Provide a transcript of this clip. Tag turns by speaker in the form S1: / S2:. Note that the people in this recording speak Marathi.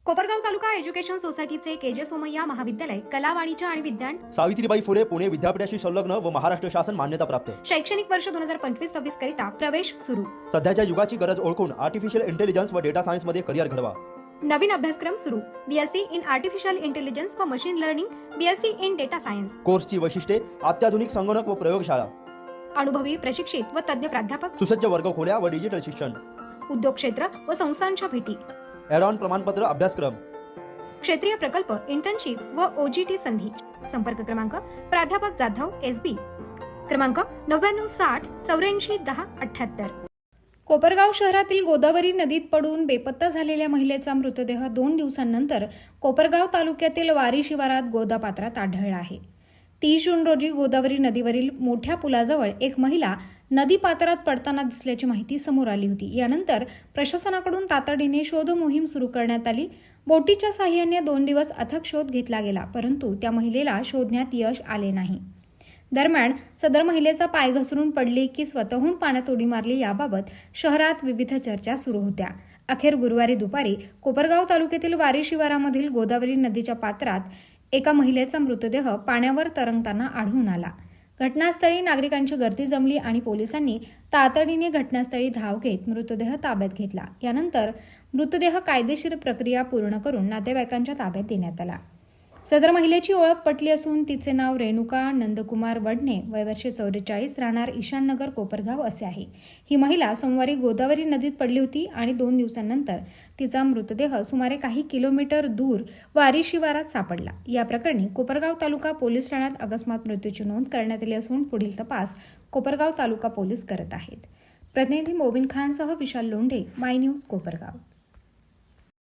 S1: कोपरगाव तालुका एज्युकेशन सोसायटीचे केजे सोमय्या महाविद्यालय कला वाणिज्य आणि विज्ञान
S2: सावित्रीबाई फुले पुणे विद्यापीठाशी संलग्न व महाराष्ट्र शासन मान्यता प्राप्त।
S1: शैक्षणिक वर्ष 2025-26 करिता प्रवेश सुरू।
S2: सध्याच्या युगाची गरज ओळखून आर्टिफिशियल इंटेलिजन्स व डेटा सायन्स मध्ये करिअर घडवा।
S1: नवीन अभ्यासक्रम सुरू। बीएससी इन आर्टिफिशियल इंटेलिजन्स व machine learning, BSc in data science.
S2: कोर्सची वैशिष्ट्ये: अत्याधुनिक संगणक व प्रयोगशाळा,
S1: अनुभवी प्रशिक्षित व तज्ञ प्राध्यापक,
S2: सुसज्ज वर्गखोल्या व डिजिटल शिक्षण,
S1: उद्योग क्षेत्र व संस्थांच्या भेटी,
S2: ॲड ऑन प्रमाणपत्र अभ्यासक्रम,
S1: क्षेत्रीय प्रकल्प, इंटर्नशिप व ओजीटी संधी। संपर्क क्रमांक: प्राध्यापक जाधव एसबी, क्रमांक 9960841078। कोपरगाव शहरातील गोदावरी नदीत पडून बेपत्ता झालेल्या महिलेचा मृतदेह 2 दिवसांनंतर कोपरगाव तालुक्यातील वारी शिवारात गोदापात्रात आढळला आहे। 30 जून रोजी गोदावरी नदीवरील मोठ्या पुलाजवळ एक महिला नदी पात्रात पडताना दिसल्याची माहिती समोर आली होती। यानंतर प्रशासनाकडून तातडीने शोध मोहीम सुरू करण्यात आली। बोटीच्या साहाय्याने 2 दिवस अथक शोध घेतला गेला, परंतु त्या महिलेला शोधण्यात यश आले नाही। दरम्यान सदर महिलेचा पाय घसरून पडली की स्वतःहून पाण्यात उडी मारली याबाबत शहरात विविध चर्चा सुरू होत्या। अखेर गुरुवारी दुपारी कोपरगाव तालुक्यातील वारी शिवारामधील गोदावरी नदीच्या पात्रात एका महिलेचा मृतदेह पाण्यावर तरंगताना आढळून आला। घटनास्थळी नागरिकांची गर्दी जमली आणि पोलिसांनी तातडीने घटनास्थळी धाव घेत मृतदेह ताब्यात घेतला। यानंतर मृतदेह कायदेशीर प्रक्रिया पूर्ण करून नातेवाईकांच्या ताब्यात देण्यात आला। सदर महिलेची ओळख पटली असून तिचे नाव रेणुका नंदकुमार वडणे, वय वर्ष 44, राहणार ईशाननगर कोपरगाव असे आहे। ही महिला सोमवारी गोदावरी नदीत पडली होती आणि 2 दिवसांनंतर तिचा मृतदेह सुमारे काही किलोमीटर दूर वारी शिवारात सापडला। या प्रकरणी कोपरगाव तालुका पोलीस ठाण्यात अकस्मात मृत्यूची नोंद करण्यात आली असून पुढील तपास कोपरगाव तालुका पोलीस करत आहेत। प्रतिनिधी मोबिन खानसह विशाल लोंढे, माय न्यूज कोपरगाव।